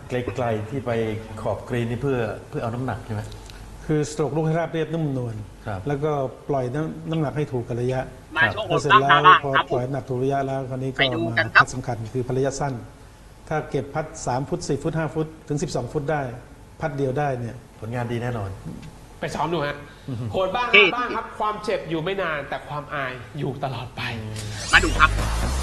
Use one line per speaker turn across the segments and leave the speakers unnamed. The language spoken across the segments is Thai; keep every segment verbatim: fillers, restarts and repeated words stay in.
ไกลๆที่ไปขอบกรีนนี่เพื่อเพื่อเอาน้ำหนักใช่ไหม
คือสโตรกลูกให้ราบเรียบนุ่มนวลแล้วก็ปล่อยน้ำน้ำหนักให้ถูกกับระยะ
มาช่วง
พอ
โหด
เสร็จ
บ้าง
แล้ว
บ้าง
พอ
ครับ
ปล่อยน้ำหนักถูกระยะแล้วคราวนี้ก็
ไปดู
มา
กันครับ
พัดสำคัญคือพัดระยะสั้น ถ้าเก็บพัดสามฟุตสี่ฟุตห้าฟุตถึงสิบสองฟุตได้ พัดเดียวได้เนี่ย
ผลงานดีแน่นอน
ไปซ้อมดูฮะโหดบ้าง
ที่
ฮาบ้างครับ ความเจ็บอยู่ไม่นานแต่ความอายอยู่ตลอดไป
มาดูครับ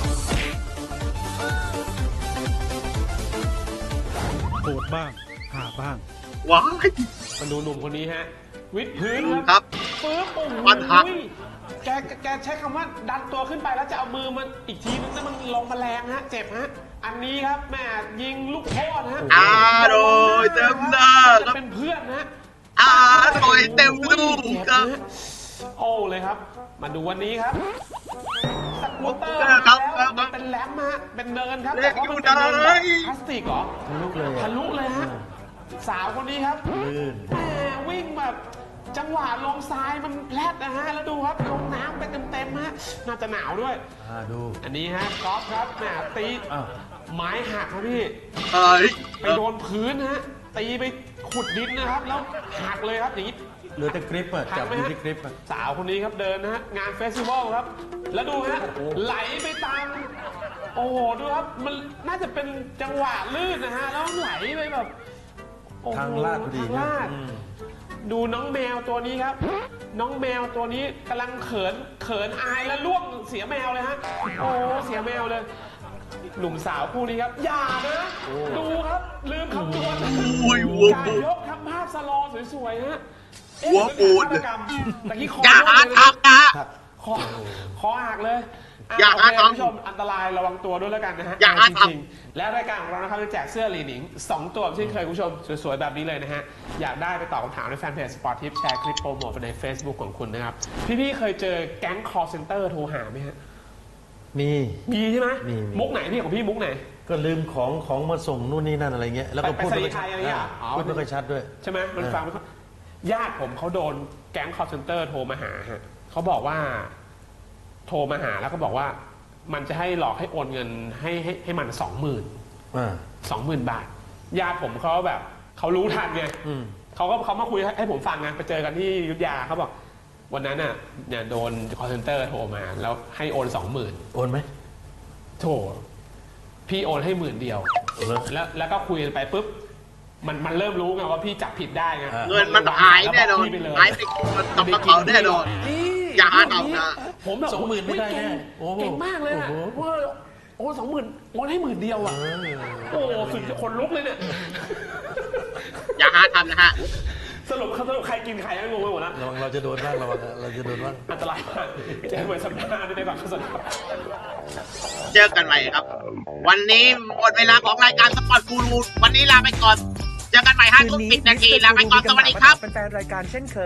โหดบ้างหาบ้าง
ว้าย
มาดูหนุ่มคนนี้ฮะ วิดพื้น
ครับ
ฟื้นโอ้โห
ฟันหัก
แกแกใช้คำว่าดันตัวขึ้นไปแล้วจะเอามือมันอีกทีนึงแล้วมันลงมาแรงฮะ เจ็บฮะ อันนี้ครับแม่ยิงลูกโทษฮะ
อร่อยเต็มหน้าค
จะ
รับ
เป็นเพื่อนฮะ
อร่อยเต็มลูกครับ
โอ้เลยครับ มาดูวันนี้ครับสกูตเตอร์
ครับ
แล้ว
ครับ
เป็นแรมฮะเป็นเนินครับ
เล็
แต่
ก
ว่ามันเป็นเนิน
อยู่
แบ
ไหน
บพลาสติกเหรอ
ทะลุเลยอะ
ทะลุเลยฮะสาวคนนี้ครับ
ลื่น
แหมวิ่งแบบจังหวะลงทรายมันแพลดนะฮะแล้วดูครับลงน้ำไปเต็มๆฮะน่าจะหนาวด้วย
อ่าดู
อันนี้ฮะกอล์ฟครับแหมตี
อ้าว
ไม้หักครับพี่
เอ้ย
ไปโดนพื้นฮะตีไปขุดดินนะครับ แล้วหักเลยครับอย่างนี้
เหลือแต่กริปอะ
หั
จั
ก
บ
ไหม
อยู่
ฮะ
ที่กริปอะ
สาวคนนี้ครับเดินนะฮะงานเฟสติวัลครับ แล้วดูฮะไหลไปตามโอ้โหดูครับมันน่าจะเป็นจังหวะลื่นนะฮะแล้วไหลไปแบบโอ้โห
ทางลาดพอดี
ทาง
นะ
ลาด
อืม
ดูน้องแมวตัวนี้ครับ น้องแมวตัวนี้กำลังเขินเขินอายแล้วล่วงเสียแมวเลยฮะโอ้เสียแมวเลย หนุ่มสาวคู่นี้ครับ อย่านะดูครับลืมคำนวณ
โอ้ยวัว
การ
ปู
ยกทำภาพสโลว์สวยๆฮะเอ๊ะ
หัวปูด
เป็นฆาตกรรมแต่กี้คอ
อย่าหา
โดนเลยนะ
ทำนะ
คอคอหักเลยะ
อย่า
โเค
หาทำ
คุณผู้ชมอันตรายระวังตัวด้วยแล้วกันนะฮะ
อย่าหา
จ
ทำ
ริงๆและรายการของเรานะครับจะแจกเสื้อลีหนิงสองตัวเช่นเคยคุณผู้ชมสวยๆแบบนี้เลยนะฮะอยากได้ไปตอบคำถามในแฟนเพจสปอร์ตทิปแชร์คลิปโปรโมทไปใน Facebook ของคุณนะครับพี่ๆเคยเจอแก๊ง call center โทรหาไหมฮะ
มี
มีใช่ไหม
มีมี
มุกไหนพี่ของพี่มุกไหน
ก็ลืมของของมาส่งนู่นนี่นั่นอะไรเงี้ยแล้วก็
ไป
พูด
ไป
ไม่
ส
ค่อย
นิทไท
ชัด
ยอะไรเงี้ย
อ่า
อ๋อ
พูดไม่ค่อยชัดด้วย
ใช่ไหมมัน
เออ
ฟังไม่ค่อยญาติผมเขาโดนแก๊ง call center โทรมาหาฮะเขาบอกว่า โทรมาหาแล้วก็บอกว่า มันจะให้หลอกให้โอนเงินให้ให้ให้มันสองหมื่น
อ่า
สองหมื่นบาท ญาติผมเขาแบบเขารู้ทันไง
อืม
เขาก็เขามาคุยให้ให้ผมฟังไงไปเจอกันที่อยุทธยาเขาบอก วันนั้นน่ะเนี่ยโดน call center โทรมาแล้วให้โอนสองหมื่น
โอนไหม
โถพี่โอนให้หมื่นเดียว
เหรอ
แล้วแล้วก็คุยกันไปปุ๊บมันมันเริ่มรู้ไงว่าพี่จับผิดได้ไง
อ่า
เงินมันหายแน่นอน
แล้วบกพี่ไปเลย
หายไปกับกระเป๋าแน่นอน
นี่
อย่าหาทำนะ
ผมแบบ
สองหมื่นไม่ได้แน่
เก่ง
โอ้โห
เก่งมากเลยอะ
โอ้โห
ว่าโอ้สองหมื่นโอนให้หมื่นเดียวอ่ะ
เออ
โอ้สุดคนลุกเลยเนี่ย
อย่าหาทำนะฮะ
สรุปสรุปใครกินใครก็งงไปหมดแล้ว
ระวังเราจะโดนบ้างระวังเราจะโดนบ้าง
อันตรายมากเจอเหมือนสัปดาห์ในแบบสด
เจอกันใหม่ครับ วันนี้หมดเวลาของรายการสปอร์ตกูรูวันนี้ลาไปก่อน เจอกันใหม่ห้าทุ่มสิบนาทีลาไปก่อนสวัสดีครับ
เป็นแฟนรายการเช่นเคย